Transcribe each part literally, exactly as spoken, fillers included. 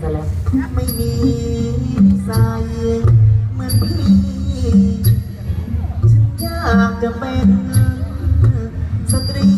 ซะแล้วไม่มีใส่เหมือนพี่ฉันอยากจะเป็นสตรี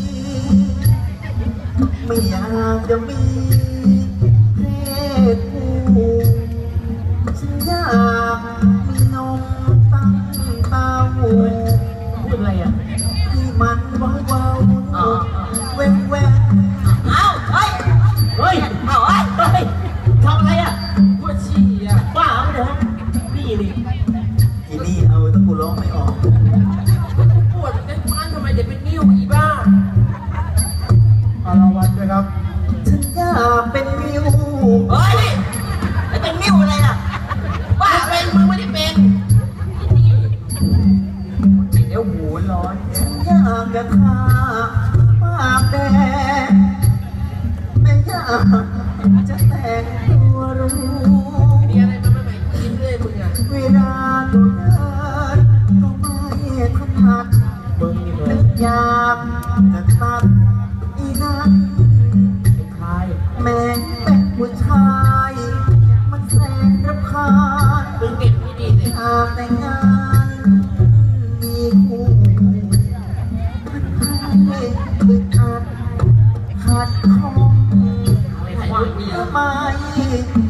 ไม่อยากจะมีเพศผู้ฉันอยากมีนมตั้งเต้าพูดอะไรอ่ะที่มันเบาๆเว้นเว้นเอ้าเฮ้ยเฮ้ยเอ้าเฮ้ยเฮ้ยทำอะไรอ่ะปวดฉี่อ่ะบ้าไม่เด้อนี่ดิทีนี่เอาถ้ากูร้องไม่ออกปวดในบ้านทำไมเดี๋ยวเป็นนิ้วอีบ้าเอารางวัลด้วยครับฉันอยากเป็นนิ้วเฮ้ยไอ้เป็นนิ้วอะไรล่ะบ้าเป็นมึงไม่ได้เป็นเดี๋ยวหูร้อนฉันอยากจะทาปากแดงไม่อยากจะแต่งตัวรู้มีอะไรมาใหม่ๆกินเลยมึงอ่ะเวลาดูเดินก็ไม่ถนัดมึงนี่เลยอยากจะตัดอีนั้นใครแม่งเป็นผู้ชายมันแสนรำคาญมึงเก็บที่ดีสิหากแต่งงานมีคู่ให้อึดอัดขัดข้องทำไม